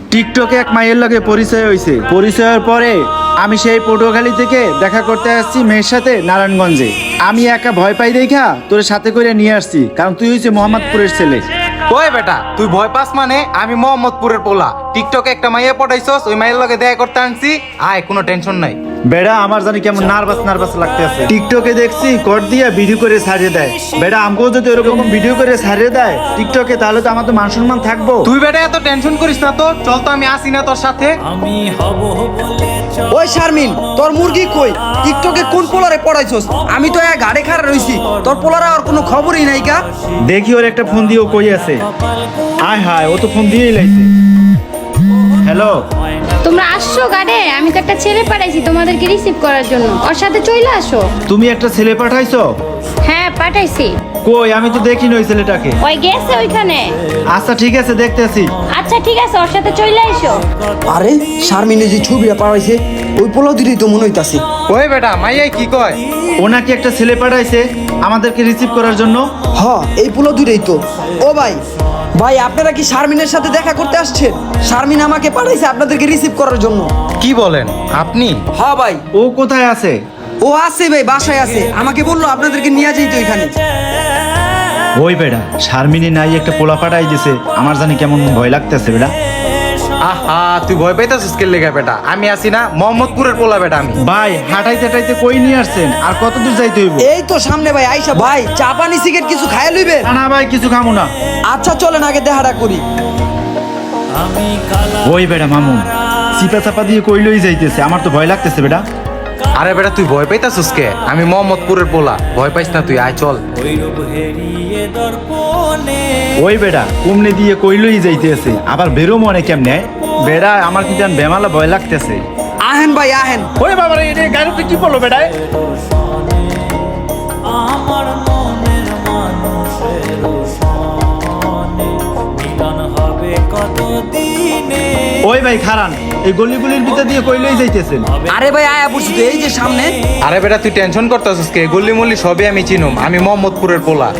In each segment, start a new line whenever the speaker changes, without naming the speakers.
টিকটকে এক মাইয়ের লগে পরিচয় হয়েছে। পরিচয়ের পরে আমি সেই পটুয়াখালী থেকে দেখা করতে আসছি মেয়ের সাথে নারায়ণগঞ্জে। আমি একা ভয় পাই দেখা তোর সাথে করে নিয়ে আসছি, কারণ তুই হচ্ছে মোহাম্মদপুরের ছেলে।
ওই বেটা তুই ভয় পাস মানে? আমি মোহাম্মদপুরের পোলা, টিকটকে একটা মাইয়া পটাইছস, ওই মাইয়ের লগে দেখা করতে আনছি। আয়, কোনো টেনশন নাই।
বেড়া আমার জানি কেমন নার্ভাস লাগতে আছে। টিকটকে দেখছি কর দিয়া ভিডিও করে ছাড়িয়ে দেয়। বেড়া আমাকেও যদি ওরকম ভিডিও করে ছাড়িয়ে দেয় টিকটকে, তাহলে তো আমার তো মান সম্মান থাকবো।
তুই বেটা এত টেনশন করিস না তো, চল তো আমি আসি না তোর সাথে।
ওই শারমিন, তোর মুরগি কই? টিকটকে কোন পোলারে পড়াইছস? আমি তো এক গাড়ি খাড়া রইছি, তোর পোলারে আর কোনো খবরই নাই কা?
দেখি ওর একটা ফোন দিয়ে ও কই আছে। আয় হায়, ও তো ফোন দিয়েই লাইছে। হ্যালো,
তোমরা আসছো গাড়ে? আমি তো একটা ছেলে পাঠাইছি তোমাদেরকে রিসিভ করার জন্য, ওর সাথে চলে আসো।
তুমি একটা ছেলে পাঠাইছো?
হ্যাঁ পাঠাইছি।
কই, আমি তো দেখিনি ওই ছেলেটাকে।
ওই গেছে ওইখানে।
আচ্ছা ঠিক আছে, দেখতেছি।
আচ্ছা ঠিক আছে, ওর সাথে চলে আইসো।
আরে শারমিনে যে ছবিটা পাঠাইছে ওই পোলা দিদি তো মনে হইতাছে।
ওই বেটা মাইয়াই কি কয়?
ও নাকি একটা ছেলে পাঠাইছে আমাদেরকে রিসিভ করার জন্য।
হ, এই পোলা দুইটাই তো। ও ভাই, ভাই আপনারা কি শারমিনের সাথে দেখা করতে আসছেন? শারমিন আমাকে পাঠাইছে আপনাদেরকে রিসিভ করার জন্য।
কি বলেন আপনি?
হ্যাঁ ভাই,
ও কোথায় আছে?
ও আছে ভাই, বাসায় আছে। আমাকে বললো আপনাদেরকে নিয়ে যাইতো এখানে।
ওই বেড়া শারমিনী নাই একটা পোলা পাঠাই দিছে, আমার জানি কেমন ভয় লাগতেছে বেড়া।
আহা, তুই ভয় পাইতাছিস কে লেগা বেটা? আমি আসি না, মোহাম্মদপুরের পোলা বেটা আমি।
ভাই হাঁটাইতে হাঁটাইতে কই নিয়ে আসছেন? আর কত দূর যাইতে হইব?
এই তো সামনে ভাই, আইসা ভাই চা পানি সিগারেট কিছু খাইয়া লইবেন?
না না ভাই, কিছু খামু না।
আচ্ছা চলেন আগে দেখাটা করি।
ওই বেড়া মামু চিপা চাপা দিয়ে কই লই যাইতেছে, আমার তো ভয় লাগতেছে বেড়া।
আরে বেটা তুই ভয় পাইতাছিস কে? আমি মোহাম্মদপুরের পোলা, ভয় পাইস না তুই, আয় চল।
ওই বেড়া কুমনে দিয়ে কই লই যাইতেছে, আবার বেরো মনে কেমনে? বেড়া আমার কি জান বেমালা ভয় লাগতেছে।
আহেন ভাই আহেন।
ওই বাবা রে, এটা গাড়িতে কি পড়লো বেড়ায়?
আমার মনের মানুষের সনে মিলন হবে কতদিনে।
ওই ভাই খারান, এই গলিগুলির ভিতর দিয়ে কই লই যাইতেছেন?
আরে ভাই আয়া পড়ছি তো, এই যে সামনে।
আরে বেটা তুই টেনশন করতেছিস কে? গল্লি মল্লি সবই আমি চিনুম, আমি মোহাম্মদপুরের পোলা।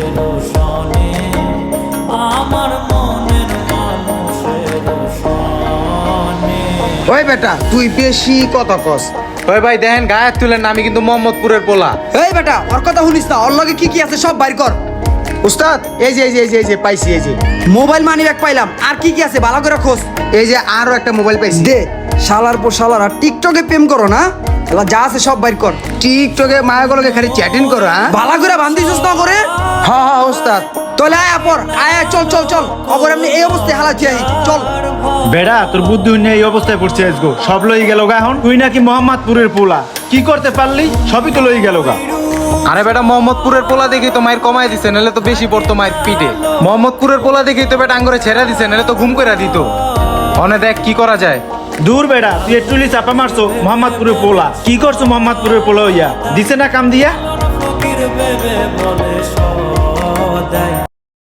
আমার মনের মানুষের সনে।
ওই বেটা তুই বেশি কথা কস।
ওই ভাই দেখেন গায়ে তুলেন না, আমি কিন্তু মোহাম্মদপুরের পোলা।
এই বেটা ওর কথা শুনিস না, ওর লগে কি কি আছে সব বাইর কর।
উস্তাদ এই যে পাইছি, এই যে
মোবাইল মানি ব্যাগ পাইলাম, আর কি কি আছে ভালো করে খোঁজ।
এই যে আরো একটা মোবাইল পাইছি।
দে, শালার পর শালার আর টিকটকে প্রেম করো না? এলা যা আছে সব বাইর কর।
টিকটকে মায়াগুলোকে খালি চ্যাটিং করো, হ্যাঁ?
ভালো করে বান্ধিছিস না করে?
হ্যাঁ উস্তাদ।
তাহলে আয়া পর, আয়া চল চল চল, অগর এমনি এই অবস্থায় হালাচ্ছি আই, চল।
বেড়া তোর বুদ্ধি নিয়ে এই অবস্থায় পড়ছে আজগো, সব লই গেল গা। এখন তুই নাকি মোহাম্মদপুরের পোলা, কি করতে পারলি? সবই তো লই গেল গা।
আরে বেটা মোহাম্মদপুরের পোলা দেখি তো মায়ের কমাই দিছে, নাহলে তো বেশি পড়তো মায়ের পিঠে। মোহাম্মদপুরের পোলা দেখি তো বেটা আঙ্গরে ছেড়া দিছে, নাহলে তো ঘুম করে দিত। অনে দেখ কি করা যায়।
দূর বেড়া, তুই একটু চাপা মারছো মোহাম্মদপুরের পোলা। কি করছো মোহাম্মদপুরের পোলা হইয়া? দিছে না কাম দিয়া?
ফকির ভেবে বলে সদাই